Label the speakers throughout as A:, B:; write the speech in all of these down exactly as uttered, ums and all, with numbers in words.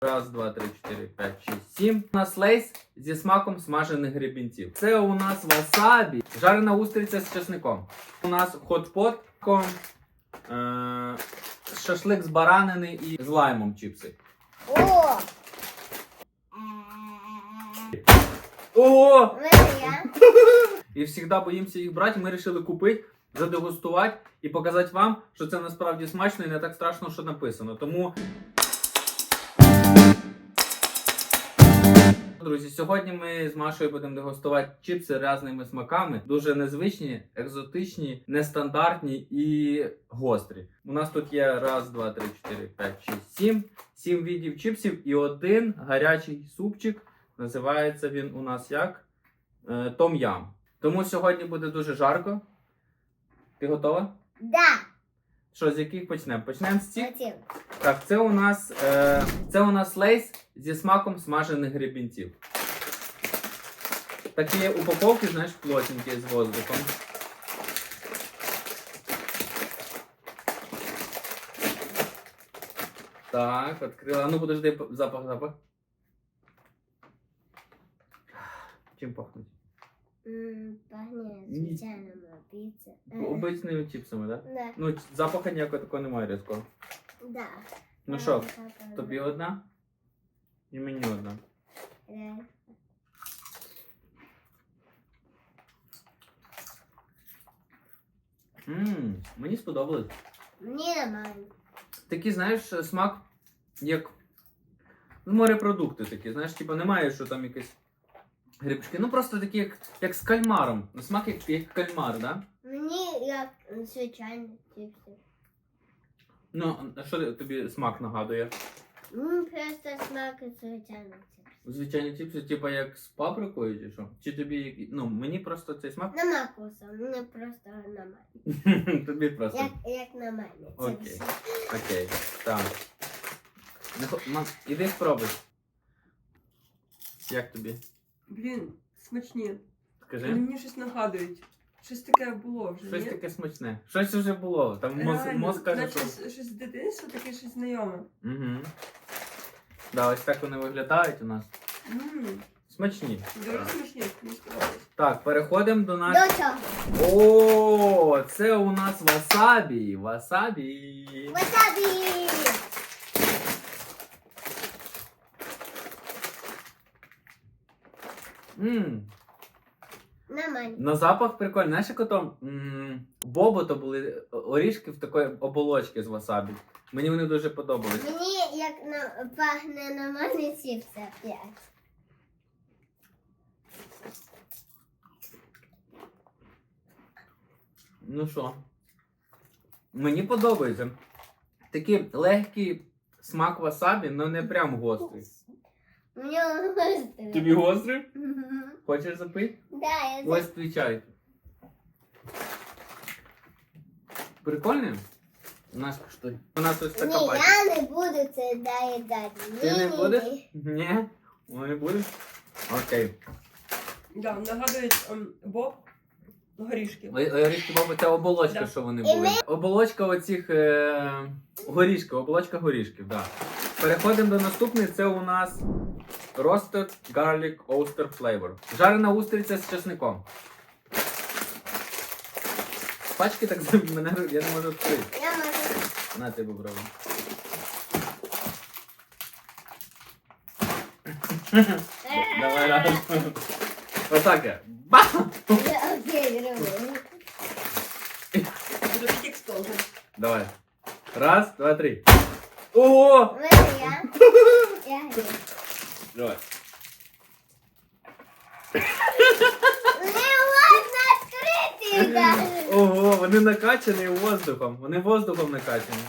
A: Раз, два, три, чотири, п'ять, шість, сім. У нас лейс зі смаком смажених гребінців. Це у нас васабі, жарена устриця з чесником. У нас хот-pot, е шашлик з баранини і з лаймом чіпси.
B: О!
A: Ого!
B: Моя.
A: І завжди боїмося їх брати. Ми вирішили купити, задегустувати і показати вам, що це насправді смачно і не так страшно, що написано. Тому, друзі, сьогодні ми з Машою будемо дегустувати чіпси різними смаками. Дуже незвичні, екзотичні, нестандартні і гострі. У нас тут є раз, два, три, чотири, п'ять, шість, сім. Сім видів чіпсів і один гарячий супчик. Називається він у нас як? Е, том-ям. Тому сьогодні буде дуже жарко. Ти готова?
B: Да.
A: Що, з яких почнемо? Почнемо з цих?
B: Хотів.
A: Так, це у нас, е, це у нас лейс зі смаком смажених гребінців. Такі упаковки, знаєш, плотненькі з воздухом. Так, відкрила. Ну, подожди, запах, запах. Чим пахнуть?
B: М, Пахне звичайними піци.
A: Обичними чіпсами, так? Да?
B: Да.
A: Ну, запаху ніякого такого немає різкого.
B: Да.
A: Ну що, тобі одна? І мені одна.
B: Да.
A: Ммм, мені сподобалось.
B: Мені нормально.
A: Такий, знаєш, смак, як ну, морепродукти такі, знаєш, типу немає, що там якісь грибочки. Ну просто такі, як, як з кальмаром. Ну, смак як, як кальмар, да?
B: Мені як звичайні чіпси.
A: Ну, а що тобі смак нагадує?
B: Мені просто смак звичайних чіпсів.
A: Звичайні чіпси, типу як з паприкою чи що? Чи тобі, які- ну, мені просто цей смак?
B: Нема вкусу, мені просто нормально.
A: Тобі просто.
B: Як, як нормально.
A: Окей. Окей, так. Не хо- Мам, іди спробуй. Як тобі?
C: Блін, смачні. Вони
A: Скажи.
C: мені щось нагадують. Щось таке було вже.
A: Щось
C: ні?
A: таке смачне. Щось вже було. Там мозг,
C: Реально,
A: мозг каже,
C: наче
A: що...
C: щось щось з дитинства, таке щось знайоме.
A: Угу. Да, ось так вони виглядають у нас.
C: Ммм,
A: Смачні.
C: дуже смачні, мені сподобалось.
A: Так, переходимо до нас.
B: До чого?
A: О, це у нас васабі. Васабі.
B: Васабі!
A: Мм.
B: Нормально.
A: На запах прикольний. Знаєш, як ото м, бобо то були орішки в такої оболочки з васабі. Мені вони дуже подобались.
B: Мені як на, пахне нормальні чіпси опять.
A: Ну що? Мені подобається. Такий легкий смак васабі, але не прям гострий.
B: Мені гострий.
A: Тобі гострий?
B: Мгм.
A: Хочеш запити?
B: Да, я
A: Ось твій чай. Прикольний? У нас коштує. У нас ось така
B: Ні,
A: пачка.
B: я не буду це доїдати.
A: Ти не
B: Ні,
A: будеш?
B: ні.
A: Ні? Ну, не будеш? Окей.
C: Да, нагадують ем, боб горішки.
A: Горішки баба, це оболочка,
C: Да.
A: що вони
B: І
A: були. Оболочка оцих е... горішків, оболочка горішків, так. Да. Переходимо до наступної, це у нас Roasted Garlic Oyster Flavor. Жарена устриця з чесником. Пачки так за мене, я не можу відкрити.
B: Я можу.
A: На тебе попробуй. Давай разом. Отак я. Бам!
B: Я окей, роблю.
C: Буде такий експлозив.
A: Давай. Раз, два, три. О!
B: Моя. Я говорю.
A: Давай.
B: Не можна відкрити навіть.
A: Ого, вони накачані воздухом. Вони воздухом накачані.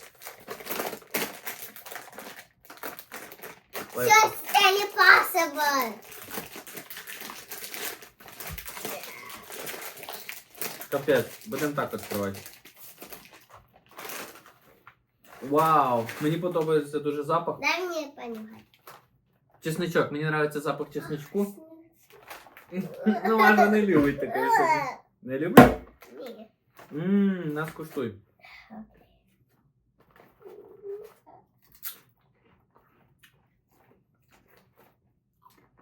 B: Just impossible.
A: Капець, будемо так відкривати. Вау, мені подобається дуже запах.
B: Дай мені понюхати.
A: Чесничок, мені подобається запах чесничку. Ну, Маша не любить таке собі. Не любить?
B: Ні.
A: Ммм, нас куштуй.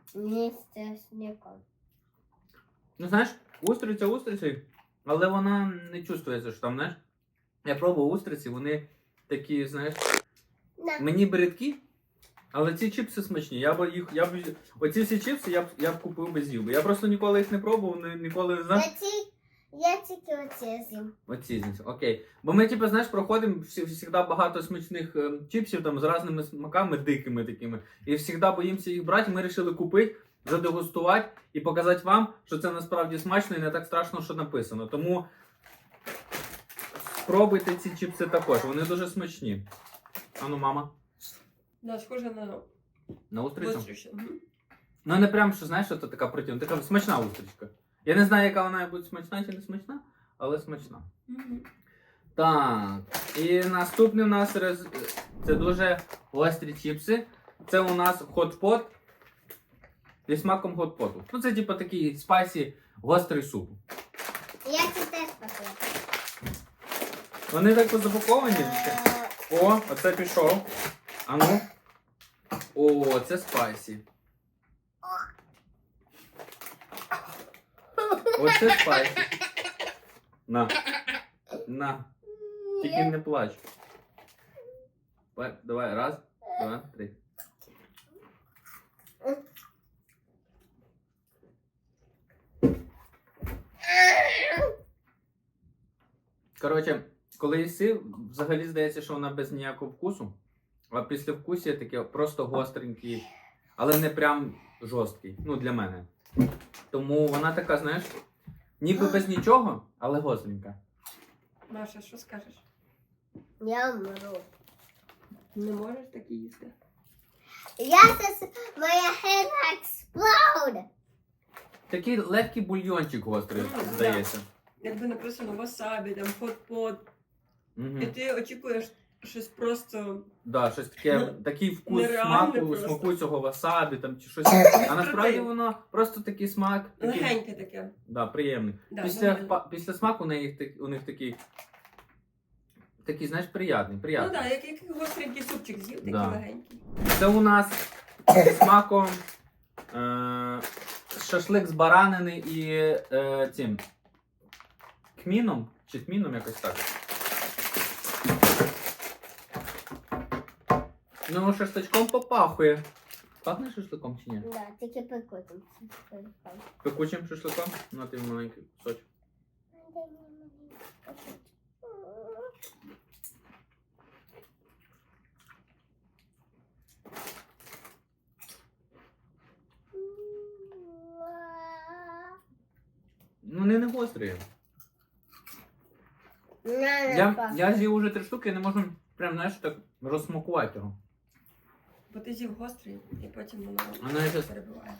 B: Не з часником.
A: Ну знаєш, устриця устрицею, але вона не чувствується, що там, знаєш. Я пробував устриці, вони такі, знаєш,
B: На.
A: мені бридкі, але ці чіпси смачні. Я б їх, я б, оці всі чіпси я б, я б купив без з'їв. Я просто ніколи їх не пробував, ні- ніколи не знав.
B: Я, ті, я тільки оце з'їм.
A: Оці, значить, окей. Бо ми, типу, знаєш, проходимо всі- завжди багато смачних е, чіпсів там з різними смаками, дикими такими. І завжди боїмося їх брати. Ми вирішили купити, задегустувати і показати вам, що це насправді смачно і не так страшно, що написано. Тому спробуйте ці чіпси також, вони дуже смачні. Ану, мама,
C: Да, схоже на
A: на устрицю?
C: гостріше. Мгм.
A: Ну не прям, що знаєш, що це така противна, така смачна устричка. Я не знаю, яка вона буде смачна чи не смачна, але смачна.
C: Мгм.
A: Так, і наступний у нас рез... це дуже гострі чіпси. Це у нас хот-пот зі смаком хот-поту. Ну це типу такий спайсі гострий суп.
B: Я це теж похлопаю.
A: Вони так запаковані. О, оце пішов. А ну. О, це спайсі. Оце спайсі. На. На. Тільки не плач. Давай, давай, раз, два, три. Коротше, коли їси, взагалі здається, що вона без ніякого вкусу, а після вкусу таке просто гостренький, але не прям жорсткий. Ну, для мене. Тому вона така, знаєш, ніби без нічого, але гостренька.
C: Маша, що скажеш?
B: Я вмру.
C: Не можеш такі їсти?
B: Я це... Моя head explode.
A: Такий легкий бульйончик гострий,
C: Мгм,
A: здається.
C: Якби написано васабі, там хот-пот,
A: Угу.
C: і ти очікуєш щось просто
A: Да, щось таке,
C: Ну,
A: такий вкус
C: нереально
A: смаку,
C: просто.
A: смаку цього васабі там чи щось. А насправді воно просто такий смак, такий,
C: легеньке таке.
A: да, приємний.
C: Да,
A: після,
C: нормально.
A: па- після смаку у них, так- у них такий, такий, знаєш, приятний,
C: Ну
A: приятний.
C: так, як, як гостренький супчик з'їв, такий
A: Да.
C: легенький.
A: Це у нас зі смаком е- шашлик з баранини і е- цим кміном, чи тміном якось так. Ну, шашличком попахує. Пахне шашликом чи ні?
B: Да, тільки пекутим.
A: Пекучим шашликом? Ну, ти маленький кусочок. Ну, вони не гострі. Я, я з'їв уже три штуки і не можу прям, знаєш, так розсмакувати його.
C: Бо ти з'їв гострий, і потім воно
A: Воно якось-
C: перебиває.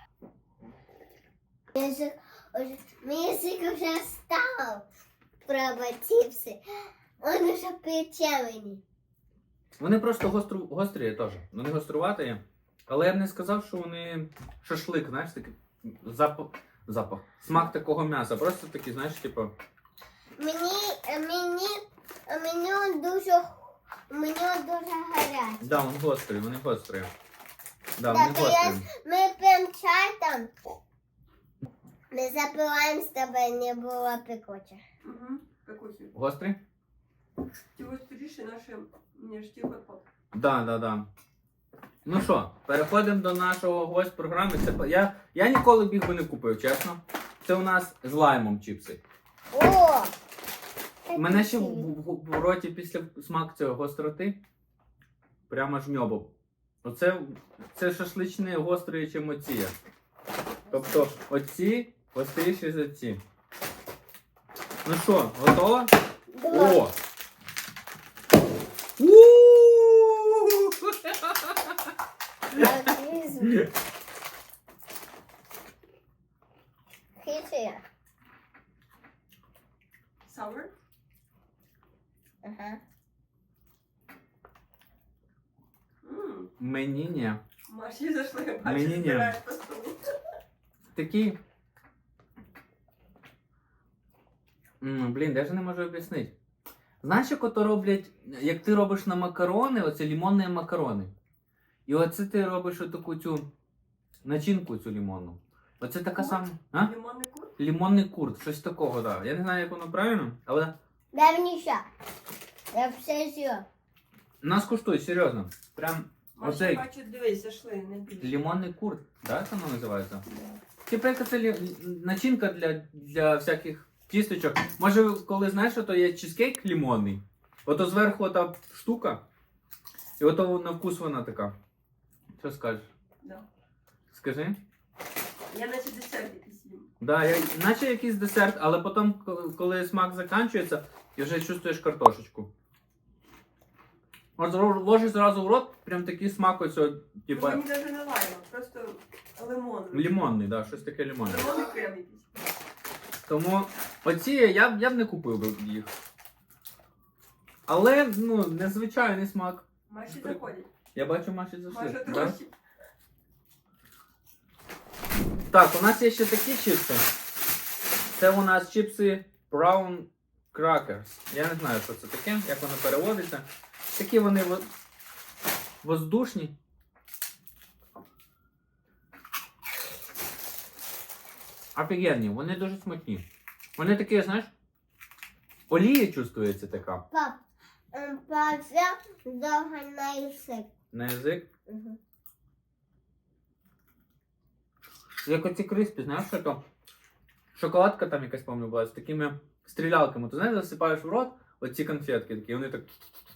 B: Мій язик вже став пробувати чіпси. Он уже печені.
A: Вони просто гостру, гострі теж. Вони гоструваті. Але я б не сказав, що вони шашлик, знаєш, такий запах, запах. Смак такого м'яса. Просто такий, знаєш, типу.
B: Мені, мені, мені дуже, мені дуже гаряче.
A: Да, вони гострі, вони гострі. Да,
B: Так,
A: вони
B: то я-
A: гострі.
B: Ми п'ємо чай там. Ми запиваємо, щоб не було пекуче.
C: Угу. Пекучий.
A: Гострі?
C: Ті гостріші наші, ніж ті хот-пот.
A: Да, да, да. Ну що, переходимо до нашого гость програми. Це по- я, я ніколи б їх би не купив, чесно. Це у нас з лаймом чіпси.
B: О!
A: У мене ще в, в, в роті після смак цього гостроти. Прямо жмьобо. Оце це шашличне гострі, чим оці. Тобто оці гостріші за ці. Ну що, готова?
B: Два.
A: О! У-у-у!
B: Так, візьму. Хитрі.
C: Sour?
B: Ага.
C: Ммм.
A: Мені ні.
C: Маші зайшли, я
A: Мені
C: бачу,
A: ні.
C: збираєш по столу.
A: Такий. М, блін, даже не можу об'яснити. Знаєш, як ото роблять, як ти робиш на макарони, оце лімонні макарони. І оце ти робиш отаку цю начинку цю лимонну. Оце така
C: Курт?
A: сама. А?
C: Лимонний курт?
A: Лимонний курт, щось такого, так. Да. Я не знаю, як воно правильно, але
B: Дай мені ще. Я все з'їла.
A: нас куштує, серйозно. Прям
C: Маша,
A: оцей
C: бачу, дивись, зайшли, не більше.
A: лимонний курт, так воно називається?
C: Да.
A: Типу, яка це лі- начинка для, для всяких тісточок. Може, ви коли знаєш, що то є чизкейк лимонний, ото зверху та штука, і ото на вкус вона така. Що скажеш?
C: Да.
A: Скажи.
C: Я наче десерт якийсь їм.
A: Да, я, наче якийсь десерт, але потім, коли- коли смак закінчується, і вже чувствуєш картошечку. От зро- ложиш зразу в рот, прям такий смак оцього,
C: Ну,
A: типа,
C: мені навіть не лайно, просто лимон.
A: лимонний, да, щось таке лимонне.
C: Лимонний крем якийсь.
A: Тому оці я б, я б не купив би їх. Але, ну, незвичайний смак.
C: Маші
A: Прик-
C: заходять.
A: Я бачу, Маші зайшли.
C: Маша
A: Да?
C: трохи.
A: Так, у нас є ще такі чіпси. Це у нас чіпси Brown Crackers. Я не знаю, що це таке, як воно переводиться. Такі вони во- воздушні. Офігенні, вони дуже смачні. Вони такі, знаєш, олія чувствується така.
B: Пап, ем, папа довго на язик.
A: На язик.
B: Угу.
A: Як оці криспі, знаєш, що то? Шоколадка там якась, пам'ятаю, була з такими стрілялками. Ти знаєш, засипаєш в рот оці конфетки такі, вони так.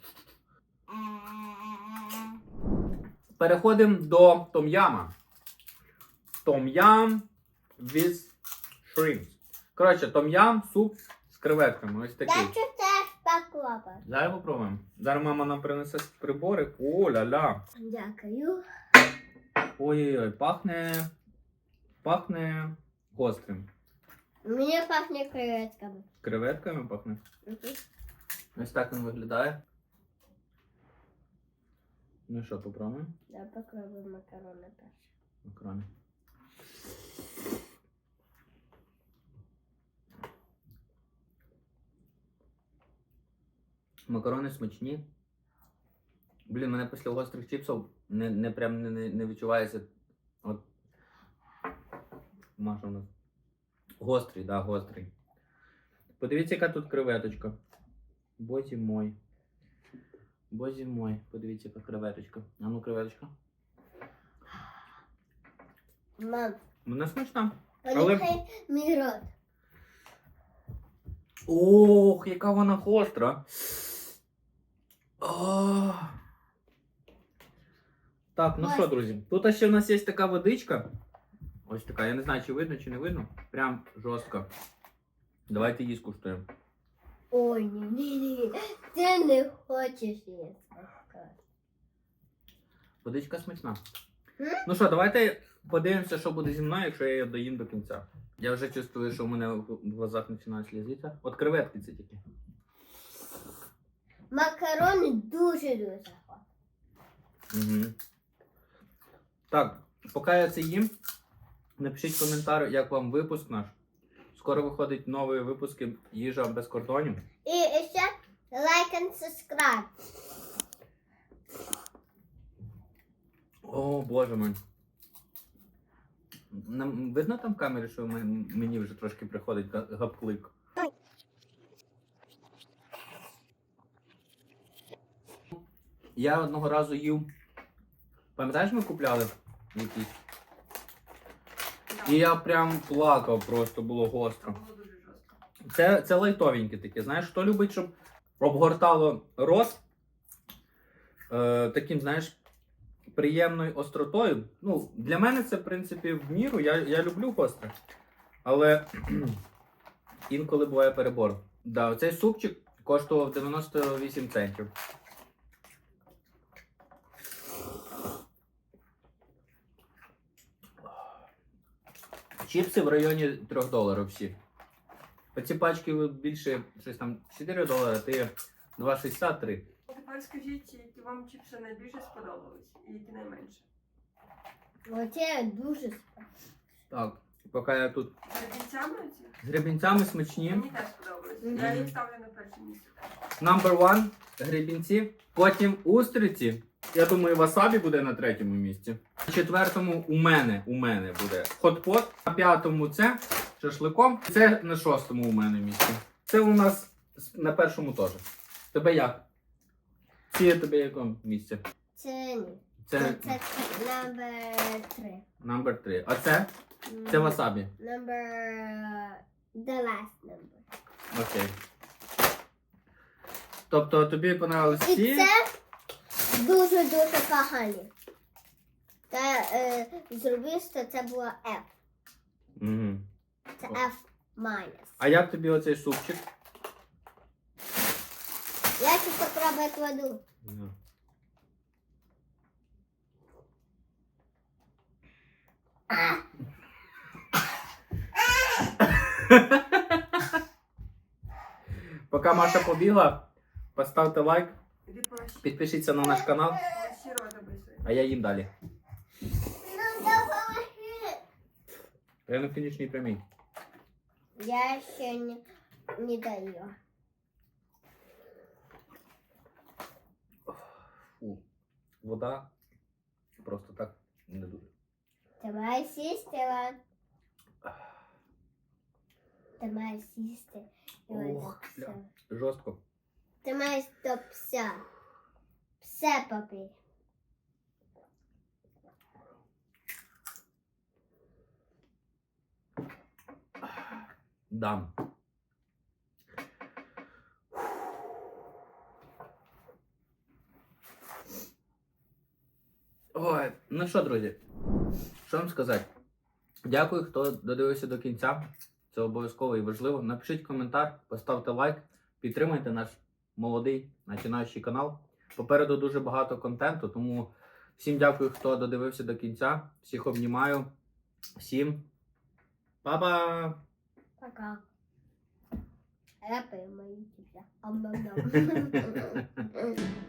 A: Переходимо до том'яма. Том'ям with shrimps. Коротше, том'ям, суп з креветками. Ось такий.
B: Дай теж попробуй.
A: Зараз попробуємо. Зараз мама нам принесе прибори. О, ля-ля.
B: Дякую.
A: Ой-ой-ой, пахне. Пахне гострим.
B: Мені пахне креветками.
A: Креветками пахне.
B: Угу.
A: Ось так він виглядає. Ну що, попробуємо?
B: Я попробую макарони перші.
A: Макарони. Макарони смачні. Блін, мене після гострих чіпсів не, не прям не, не, не відчувається. От. Маша у нас. Гострий, да, гострий. Подивіться, яка тут креветочка. Бозі мой. Бозі мой. Подивіться, яка креветочка. А ну, креветочка.
B: Мам,
A: Вона смачна.
B: понюхай мій рот.
A: Ох, яка вона гостра. Ох. Так, ну що, друзі, тут ще в нас є така водичка. Ось така, я не знаю, чи видно, чи не видно. Прям жорстка. Давайте її скуштуємо.
B: Ой, ні, ні, ні. Ти не хочеш їсти.
A: Водичка смачна.
B: М?
A: Ну що, давайте подивимося, що буде зі мною, якщо я її доїм до кінця. Я вже чувствую, що в мене в глазах починають слізитися. От креветки це тільки.
B: Макарони дуже-дуже хороші.
A: Угу. Так, поки я це їм, напишіть коментар, як вам випуск наш. Скоро виходять нові випуски «Їжа без кордонів».
B: І ще лайк and subscribe.
A: О, боже мой. Нам видно там в камері, що мен- мені вже трошки приходить га- гапклик? Я одного разу їв. Пам'ятаєш, ми купляли якісь? І я прям плакав, просто було гостро.
C: Було дуже жорстко.
A: Це, це лайтовеньке таке. Знаєш, хто любить, щоб обгортало рот е, таким, знаєш, приємною остротою. Ну, для мене це, в принципі, в міру. Я, я люблю гостре. Але інколи буває перебор. Да, оцей супчик коштував дев'яносто вісім центів. Чіпси в районі трьох доларів всі. Оці пачки більше, щось там чотири долари, ти два шістдесят три.
C: Тепер скажіть, які вам чіпси найбільше сподобались і які найменше.
B: Оце дуже смачно.
A: Так, поки я тут
C: З гребінцями оці?
A: з гребінцями смачні.
C: Мені теж сподобались.
B: Мгм.
C: Я їх ставлю на перше місце.
A: Number one – гребінці. Потім устриці. Я думаю, васабі буде на третьому місці. На четвертому у мене, у мене буде хот-pot. На п'ятому це шашликом. Це на шостому у мене місці. Це у нас на першому теж. Тебе як? Ці тебе якому місці?
B: Це ні.
A: Це
B: Це номер три.
A: номер три. А це? Це васабі.
B: Number the last number.
A: Окей. Тобто тобі понравились
B: І
A: ці?
B: це дуже-дуже погані. Та е, зробив, що це було F.
A: Угу.
B: Це F minus.
A: А як тобі оцей супчик?
B: Я ще попробую кладу.
A: Ну. Поки Маша побігла, поставте лайк,
C: Иди полощи.
A: підпишіться на наш канал,
C: Полощи рот обрисуй.
A: а я їм далі.
B: Ну, допоможи.
A: Я на фінішній прямій.
B: Я ще не, не даю.
A: Фу. Вода просто так не дуже.
B: Ти маєш сісти, Іван. Ти маєш сісти. Іван,
A: Ох,
B: так
A: бля.
B: все.
A: Жорстко.
B: Ти маєш до пса. Все попий.
A: Дам. Ой, ну що, друзі, що вам сказати? Дякую, хто додивився до кінця. Це обов'язково і важливо. Напишіть коментар, поставте лайк, підтримайте наш молодий починаючий канал. Попереду дуже багато контенту, тому всім дякую, хто додивився до кінця. Всіх обнімаю. Всім па-па!
B: Пока. А я пою мої тітя. Ам-нам-нам.